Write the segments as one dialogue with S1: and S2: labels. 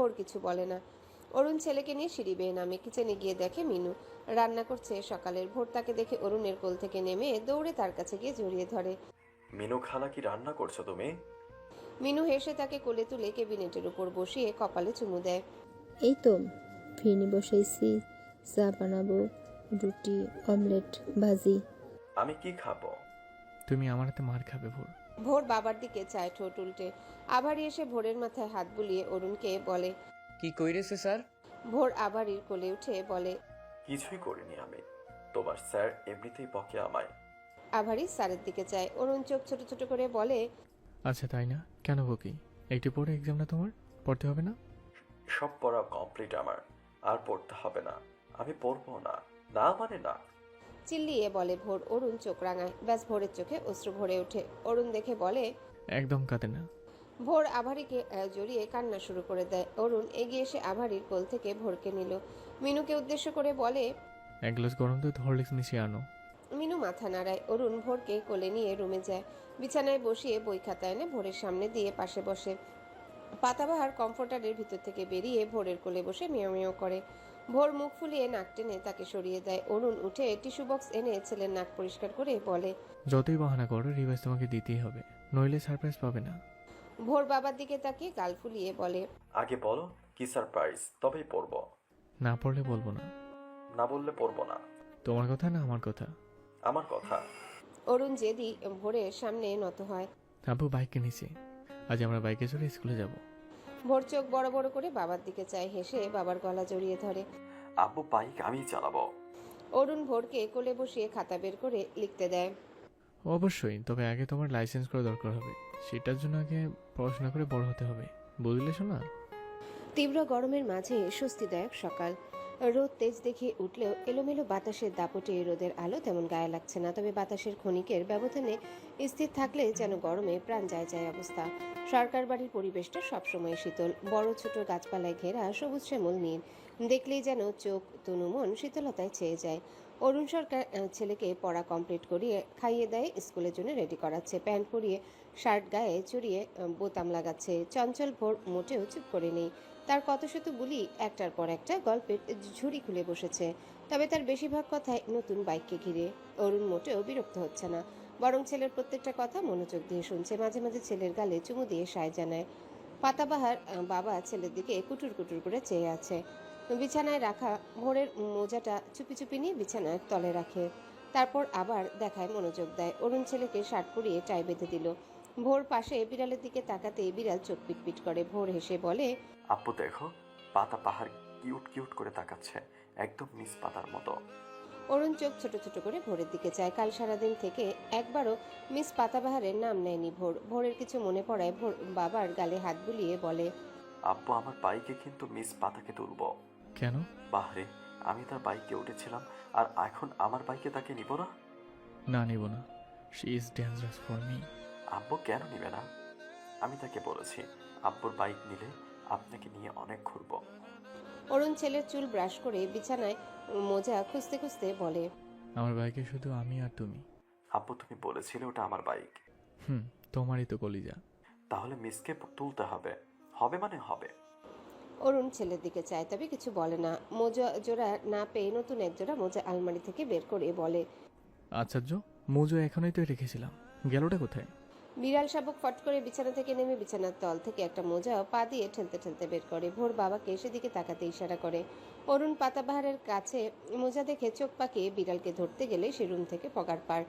S1: ভোর কিছু বলে না। অরুণ ছেলেকে নিয়ে সিঁড়ি বেয়ে নামে। কিচেনে গিয়ে দেখে মিনু রান্না করছে সকালের। ভোর তাকে দেখে অরুণের কোল থেকে নেমে দৌড়ে তার কাছে গিয়ে জড়িয়ে ধরে।
S2: মিনু খালা, কি রান্না করছো তুমি?
S1: মিনু হেসে তাকে কোলে তুলে কেবিনেটের উপর বসিয়ে কপালে চুমু দেয়।
S3: এই তো ফিরনি বসাইছি, চা বানাবো, রুটি, অমলেট, ভাজি।
S2: আমি কি খাবো?
S4: তুমি আমার হাতে মার খাবে ভোর।
S1: ভোর বাবার দিকে চায় ঠোঁট উল্টে। আভারি এসে ভোরের মাথায় হাত বুলিয়ে অরুণকে বলে।
S5: কি কইরেছে স্যার?
S1: ভোর আভারির কোলে উঠে বলে,
S2: কিছুই করিনি আমি। তোমার স্যার এমনিতেই বকে আমায়।
S1: আভারি স্যারের দিকে চায়। অরুণ চোখ ছোট ছোট করে বলে,
S4: আচ্ছা তাই না, কেন বকি? একটু পরে এক্সাম না তোমার, পড়তে হবে না?
S2: সব পড়া কমপ্লিট আমার, আর পড়তে হবে না। আমি পড়বো না, না মানে না।
S1: চিল্লিয়ে বলে ভোর। অরুণ চোখ রাঙায়। ব্যাস ভোরের চোখে অশ্রু ভরে ওঠে। অরুণ দেখে বলে,
S4: একদম কাঁদে না।
S1: ভোর আভারিকে জড়িয়ে কান্না শুরু করে দেয়। অরুণ এগিয়ে এসে আভারির কোল থেকে ভোরকে নিল। মিনুকে উদ্দেশ্য করে বলে,
S4: এক গ্লাস গরম দুধ হরলিক্স মিশিয়ে আনো।
S1: মিনু মাথা নাড়ায়। অরুণ ভোরকে কোলে নিয়ে রুমে যায়। বিছানায় বসিয়ে বই খাতা এনে ভোরের সামনে দিয়ে পাশে বসে। পাতাবাহার কমফোর্টারের ভিতর থেকে বেরিয়ে ভোরের কোলে বসে মিয়াও মিয়াও করে। ভোর মুখ ফুলিয়ে নাক টেনে তাকে সরিয়ে দেয়। অরুণ উঠে টিস্যু বক্স এনে ছেলের নাক পরিষ্কার করে বলে,
S4: যতই বাহানা করো রিভাইজ তোমাকে দিতেই হবে, নইলে সারপ্রাইজ পাবে না।
S1: ভোর বাবার দিকে তাকিয়ে গাল ফুলিয়ে বলে,
S2: আগে বলো কি সারপ্রাইজ, তবেই পড়বো।
S4: না পড়লে বলবো না।
S2: না বললে পড়বো না।
S4: তোমার কথা না আমার কথা?
S2: আমার কথা।
S1: অরুণ জেদি ভোরের সামনে নত হয়।
S4: আব্বু বাইক কিনেছি, আজ আমরা বাইকে চড়ে স্কুলে যাব।
S1: ভোর চোখ বড় বড় করে বাবার দিকে চায়। হেসে বাবার গলা জড়িয়ে ধরে।
S2: আব্বু বাইক আমি চালাবো।
S1: অরুণ ভোরকে কোলে বসিয়ে খাতা বের করে লিখতে দেয়।
S4: অবশ্যই, তবে আগে তোমার লাইসেন্স করা দরকার হবে। সেটার জন্য আগে পড়াশোনা করে বড় হতে হবে, বুঝলে শোনা?
S1: তীব্র গরমের মাঝে স্বস্তিদায়ক সকাল। রোদ তেজ দেখিয়ে উঠলেও এলোমেলো বাতাসের দাপটে রোদের আলো তেমন গায়ে লাগছে না। তবে বাতাসের ক্ষণিকের ব্যবধানে স্থির থাকলে যেন গরমে প্রাণ যায় যায় অবস্থা। সরকার বাড়ির পরিবেশটা সবসময় শীতল। বড় ছোট গাছপালায় ঘেরা সবুজ শ্যামল নীল। দেখলেই যেন চোখ তনু মন শীতলতায় চেয়ে যায়। অরুণ সরকার ছেলেকে পড়া কমপ্লিট করিয়ে খাইয়ে দেয়, স্কুলের জন্য রেডি করাচ্ছে। প্যান্ট পরিয়ে শার্ট গায়ে চড়িয়ে বোতাম লাগাচ্ছে। চঞ্চল ভোর মোটেও চুপ করে নেই। তার কত শত বুলি একটার পর একটা গল্পের ঝুড়ি খুলে বসেছে। তবে তার বেশিরভাগ কথাই নতুন বাইককে ঘিরে। অরুণ মোটেও বিরক্ত হচ্ছে না, বরং ছেলের প্রত্যেকটা কথা মনোযোগ দিয়ে শুনছে। মাঝে মাঝে ছেলের গালে চুমু দিয়ে সায় জানায়। পাতাবাহার বাবা ছেলের দিকে কুটুর কুটুর করে চেয়ে আছে। বিছানায় রাখা ভোরের মোজাটা চুপি চুপি নিয়ে বিছানার তলে রাখে। তারপর আবার দেখায় মনোযোগ দেয়। অরুণ ছেলেকে শার্ট পরিয়ে টাই বেঁধে দিল। ভোর পাশে বিড়ালের দিকে তাকাতেই বিড়াল চোখ পিটপিট করে। ভোর হেসে বলে,
S2: আব্বু দেখো, পাতা পাহাড় কিউট কিউট করে তাকাচ্ছে, একদম মিস পাতার মতো।
S1: অরুণ চোখ ছোট ছোট করে ভোরের দিকে চায়। কাল সারাদিন থেকে একবারও মিস পাতাবাহারের নাম নেয়নি ভোর। ভোরের কিছু মনে পড়ায় ভোর বাবার গালে হাত বুলিয়ে বলে,
S2: আব্বু আমার বাইকে কিন্তু মিস পাতাকে তুলবো।
S4: কেন?
S2: বাহরে, আমি তার বাইকে উঠেছিলাম, আর এখন আমার বাইকে তাকে নিব না?
S4: না, নিব না। She is dangerous for me.
S2: আব্বু কেন নিবে না? আমি তাকে বলেছি আব্বুর বাইক নিলে আপনাকে নিয়ে অনেক ঘুরবো।
S1: অরুণ ছেলের চুল ব্রাশ করে বিছানায় মোজা খুঁজতে খুঁজতে বলে,
S4: আমার বাইকে শুধু আমি আর তুমি।
S2: আব্বু তুমি বলেছিলে ওটা আমার বাইক।
S4: তোমারই তো কলিজা।
S2: তাহলে মিসকে তুলতে হবে। হবে মানে হবে।
S1: অরুণ ছেলের দিকে চায়, তবে কিছু বলে না। মোজা জোড়া না পেয়ে নতুন এক জোড়া মোজা আলমারি থেকে বের করে বলে,
S4: আশ্চর্য, মোজো এখনই তো রেখেছিলাম, গেলটা কোথায়?
S1: বিড়াল শাবক ফট করে বিছানা থেকে নেমে বিছানার তল থেকে একটা মোজা পা দিয়ে ঠেলতে ঠেলতে বের করে। ভোর বাবাকে সেদিকে তাকাতে ইশারা করে। অরুণ পাতাবাহারের কাছে মোজা দেখে চোখ পাকিয়ে বিড়ালকে ধরতে গেলে সে রুম থেকে পগার পার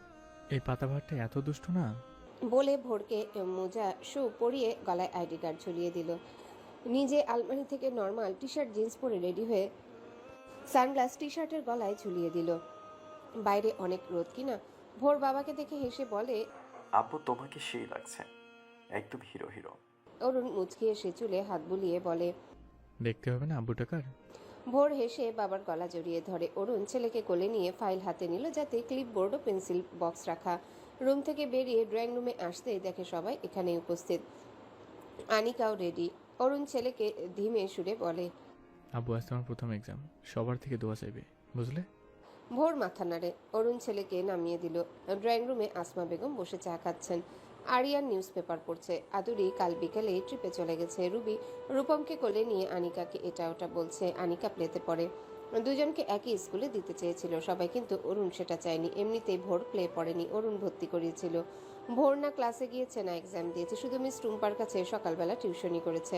S4: এই পাতাবাহারটা এত দুষ্ট না।
S1: বলে ভোরকে মোজা শু পরিয়ে গলায় আইডি কার্ড ঝুলিয়ে দিল। নিজে আলমারি থেকে নর্মাল টি শার্ট জিন্স পরে রেডি হয়ে সানগ্লাস টি শার্টের গলায় ঝুলিয়ে দিল। বাইরে অনেক রোদ কিনা। ভোর বাবাকে দেখে হেসে বলে,
S2: আব্বু তোমাকে সেই লাগছে, একদম হিরো হিরো।
S1: অরুণ মুচকি এসে চুলে হাত বুলিয়ে বলে,
S4: দেখতে হবে না আব্বু টাকার।
S1: ভোর হেসে বাবার গলা জড়িয়ে ধরে। অরুণ ছেলেকে কোলে নিয়ে ফাইল হাতে নিল, যাতে ক্লিপবোর্ড ও পেন্সিল বক্স রাখা। রুম থেকে বেরিয়ে ড্রয়িং রুমে আসতেই দেখে সবাই এখানে উপস্থিত। আনিকাও রেডি। অরুণ ছেলেকে ধীমে সুরে বলে,
S4: আব্বু আজ তোমার প্রথম এক্সাম, সবার থেকে দোয়া চাইবে, বুঝলে?
S1: ভোর মাথা নাড়ে। অরুণ ছেলেকে নামিয়ে দিল। ড্রয়িং রুমে আসমা বেগম বসে চা খাচ্ছেন। আরিয়ান নিউজ পেপার পড়ছে। আদুরি কাল বিকেলে ট্রিপে চলে গেছে। রুবি রূপমকে কোলে নিয়ে আনিকাকে এটা ওটা বলছে। আনিকা প্লেতে পড়ে। দুজনকে একই স্কুলে দিতে চেয়েছিল সবাই, কিন্তু অরুণ সেটা চায়নি। এমনিতেই ভোর প্লে পড়েনি, অরুণ ভর্তি করিয়েছিল। ভোর না ক্লাসে গিয়েছে না এক্সাম দিয়েছে, শুধু মিস টুম্পার কাছে সকালবেলা টিউশনি করেছে।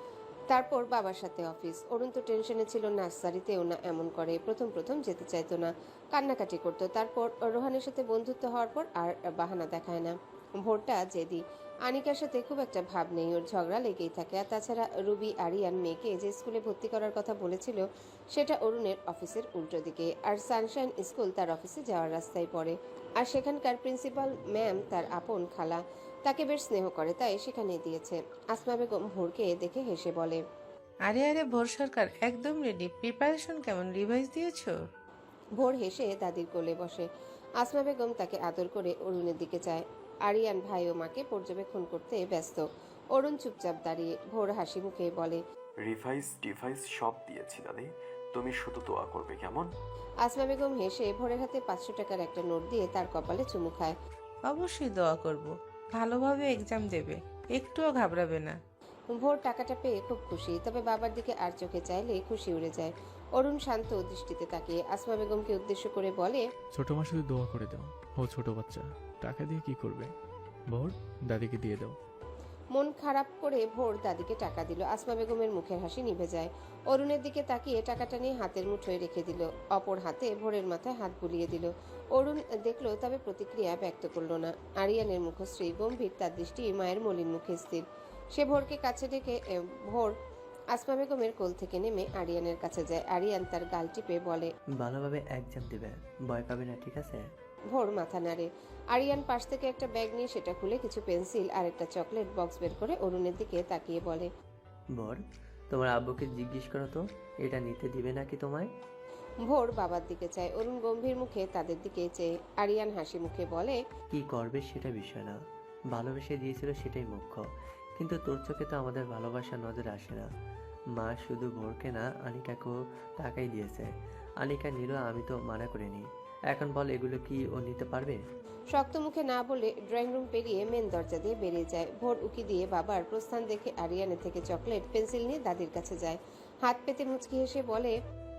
S1: তারপর বাবার সাথে অফিস। অরুণ তো টেনশনে ছিল, নার্সারিতেও না এমন করে। প্রথম প্রথম যেতে চাইতো না, কান্নাকাটি করতো। তারপর রোহানের সাথে বন্ধুত্ব হওয়ার পর আর বাহানা দেখায় না। ভোরটা জেদি। আনিকার সাথে খুব একটা ভাব নেই, ওর ঝগড়া লেগেই থাকে। আর তাছাড়া রুবি আরিয়ান মেয়েকে যে স্কুলে ভর্তি করার কথা বলেছিল সেটা অরুণের অফিসের উল্টো দিকে, আর সানশাইন স্কুল তার অফিসে যাওয়ার রাস্তায় পড়ে। আর সেখানকার প্রিন্সিপাল ম্যাম তার আপন খালা, তাকে বেশ স্নেহ করে, তাই সেখানে দিয়েছে। আসমা বেগম ভোরকে দেখে হেসে বলে,
S5: আরে আরে ভোর সরকার একদম রেডি। প্রিপারেশন কেমন, রিভাইজ দিয়েছো?
S1: ভোর হেসে দাদির কোলে বসে। আসমা বেগম তাকে আদর করে অরুণের দিকে চায়। আরিয়ান ভাই ও মাকে পর্যবেক্ষণ করতে ব্যস্ত। অরুণ চুপচাপ দাঁড়িয়ে। ভোর হাসি মুখে বলে,
S2: রিভাইস ডিভাইস সব দিয়েছি দাদি, তুমি শুধু দোয়া করবে কেমন?
S1: আসমা বেগম হেসে ভোরের হাতে 500 টাকার একটা নোট দিয়ে তার কপালে চুমু খায়।
S5: অবশ্যই দোয়া করব, ভালোভাবে এক্সাম দেবে, একটুও ঘাবড়াবে না।
S1: ভোর টাকাটা পেয়ে খুব খুশি, তবে বাবার দিকে আর চোখে চাইলে খুশি উড়ে যায়। অরুণ শান্ত দৃষ্টিতে তাকিয়ে আসমা বেগমকে উদ্দেশ্য করে বলে,
S4: ছোট মা শুধু দোয়া করে দাও, ও ছোট বাচ্চা, টাকা দিয়ে কি করবে? ভোর, দাদিকে দিয়ে দাও।
S1: মন খারাপ করে ভোর দাদিকে টাকা দিল। আসমা বেগমের মুখের হাসি নিভে যায়। অরুণের দিকে তাকিয়ে টাকাটা নিয়ে হাতের মুঠোয় রেখে দিল। অপর হাতে ভোরের মাথায় হাত বুলিয়ে দিল। অরুণ দেখলো, তবে প্রতিক্রিয়া ব্যক্ত করলো না। আরিয়ানের মুখশ্রী গম্ভীর, তার দৃষ্টি মায়ের মলিন মুখে স্থির। সে ভোরকে কাছে ডেকে ভোর আসমা বেগমের কোল থেকে নেমে আরিয়ানের কাছে যায়। আরিয়ান তার গাল টিপে বলে,
S6: ভালোভাবে এক্সাম দিবে, ভয় পাবে না, ঠিক আছে?
S1: ভোর মাথা নাড়ে। আরিয়ান পাশ থেকে একটা ব্যাগ নিয়ে সেটা খুলে কিছু পেন্সিল আর একটা চকলেট বক্স বের করে অরুণের দিকে তাকিয়ে বলে,
S6: বর, তোমার আব্বুকে জিজ্ঞেস করো তো এটা নিতে দিবে নাকি তোমায়।
S1: ভোর বাবার দিকে চায়। অরুণ গম্ভীর মুখে তাদের দিকে চেয়ে। আরিয়ান হাসি মুখে বলে,
S6: কি করবে সেটা বিষয় না, ভালোবেসে দিয়েছিল সেটাই মুখ্য। কিন্তু তোর চোখে তো আমাদের ভালোবাসা নজর আসে না। মা শুধু ভোরকে না, আনিকাকেও টাকাই দিয়েছে। আনিকা নিল, আমি তো মানা করিনি। এখন বল, এগুলো কি ও নিতে পারবে?
S1: শক্ত মুখে না বলে ড্রয়িং রুম পেরিয়ে মেন দরজা দিয়ে বেরিয়ে যায়। ভোর উকি দিয়ে বাবার প্রস্থান দেখে আরিয়ানের থেকে চকলেট পেন্সিল নিয়ে দাদির কাছে যায়। হাত পেতে মুচকি হেসে বলে,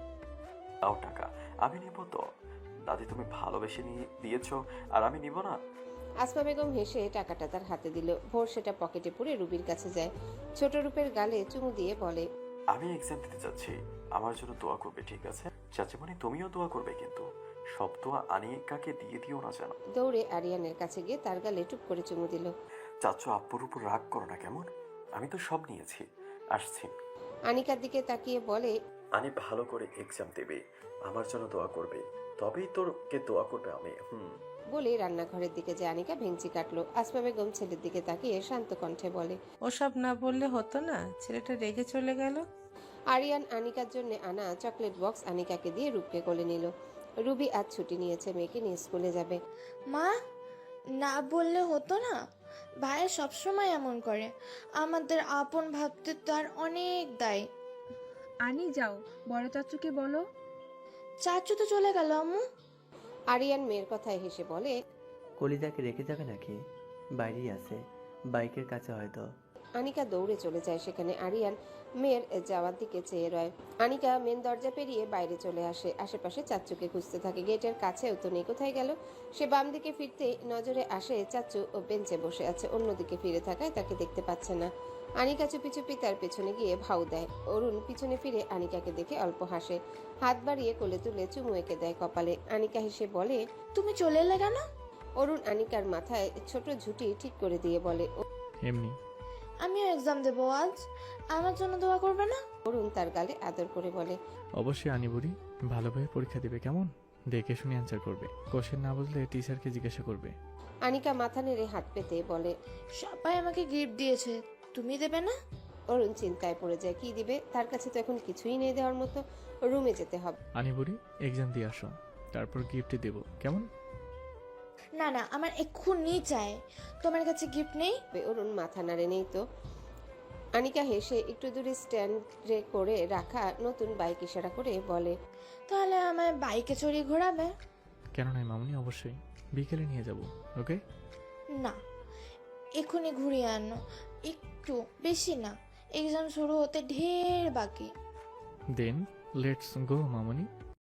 S2: দাও টাকা, আমি নিব তো। দাদি তুমি ভালোবেসে নিয়ে দিয়েছো আর আমি নিব না?
S1: আসমা বেগম হেসে টাকাটা তার হাতে দিল। ভোর সেটা পকেটে পুরে রুবির কাছে যায়। ছোট রূপের গালে চুমু দিয়ে বলে,
S2: আমি এক্সাম দিতে যাচ্ছি, আমার জন্য দোয়া করবে, ঠিক আছে? চাচিমণি তুমিও দোয়া করবে, কিন্তু সব দোয়া আনিকাকে দিয়ে দিও না যেন।
S1: দৌড়ে আরিয়ানের কাছে গিয়ে তার গালে টুপ করে চুমু দিল।
S2: চাচু আব্বুর উপর রাগ করো না কেমন, আমি তো সব নিয়েছি, আসছি।
S1: আনিকার দিকে তাকিয়ে বলে,
S2: আনি ভালো করে এক্সাম দেবে, আমার জন্য দোয়া করবে, তবেই তোরকে দোয়া করবে আমি।
S1: বলে রান্নাঘরের দিকে যে আনিকা ভেঙচি কাটলো। আসমা বেগম ছেলের দিকে তাকিয়ে শান্ত কণ্ঠে বলে,
S5: ওসব না বললে হতো না, ছেলেটা রেগে চলে গেল।
S1: আরিয়ান আনিকার জন্য আনা চকলেট বক্স আনিকাকে দিয়ে রূপকে কোলে নিল। রুবি আজ ছুটি নিয়েছে, মেয়েকে নিয়ে স্কুলে যাবে।
S7: মা, না বললে হতো না? ভাইয়া সবসময় এমন করে, আমাদের আপন ভাবতে তার অনেক দায়।
S8: আনি যাও, বড় চাচুকে বলো।
S7: চাচু তো চলে গেল আম্মু।
S1: আরিয়ান মেয়ের কথায় হেসে বলে,
S6: কলিজাকে রেখে যাবে নাকি? বাইরেই আছে, বাইকের কাছে হয়তো।
S1: আনিকা দৌড়ে চলে যায় সেখানে। আরিয়ান মেয়ের যাওয়ার দিকে চেয়ে রয়। আনিকা মেন দরজা পেরিয়ে বাইরে চলে আসে। আশেপাশে চাচ্চুকে খুঁজতে থাকে। গেটের কাছেও তো নেই, কোথায় গেল? সে বাম দিকে ফিরতেই নজরে আসে চাচ্চু ও বেঞ্চে বসে আছে। অন্যদিকে ফিরে থাকায় তাকে দেখতে পাচ্ছে না। আনিকা চুপি চুপি তার পেছনে গিয়ে ভাউ দেয়। অরুণ পিছনে ফিরে আনিকাকে দেখে অল্প হাসে। হাত বাড়িয়ে কোলে তুলে চুমু এঁকে দেয় কপালে। আনিকা হেসে বলে,
S7: তুমি চলে এলে কেন?
S1: অরুণ আনিকার মাথায় ছোট ঝুঁটি ঠিক করে দিয়ে বলে,
S4: এমনি।
S7: আমিও এক্সাম দেবো আজ, আমার জন্য দোয়া করবে না?
S1: অরুণ তার গালে আদর করে বলে,
S4: অবশ্যই আনিবুড়ি, ভালোভাবে পরীক্ষা দিবে কেমন? দেখে শুনে অ্যান্সার করবে, কোশ্চেন না বুঝলে টিচারকে জিজ্ঞাসা করবে।
S1: আনিকা মাথা নেড়ে হাত পেতে বলে,
S7: সবাই আমাকে গিফট দিয়েছে, তুমি দেবে না?
S1: অরুণ চিন্তায় পড়ে যায়। কি দিবে? তার কাছে তো এখন কিছুই নেই দেওয়ার মতো। রুমে যেতে হবে।
S4: আনিবুড়ি, এক্সাম দিয়ে আসো, তারপর গিফট দেব কেমন?
S7: না না, আমার এক্ষুনি চাই। তোমার কাছে গিফট নেই?
S1: অরুণ মাথা নাড়ে, নেই তো। আনিকা হেসে একটু দূরে স্ট্যান্ডে করে রাখা নতুন বাইক ইশারা করে বলে,
S7: তাহলে আমায় বাইকে চড়িয়ে ঘোরাবে?
S4: কেন নয় মামুনি, অবশ্যই, বিকেলে নিয়ে যাব, ওকে?
S7: না, এক্ষুনি ঘুরিয়ে আনো, একটু, বেশি না, এক্সাম শুরু হতে ঢের বাকি।
S4: Then let's go Mamoni.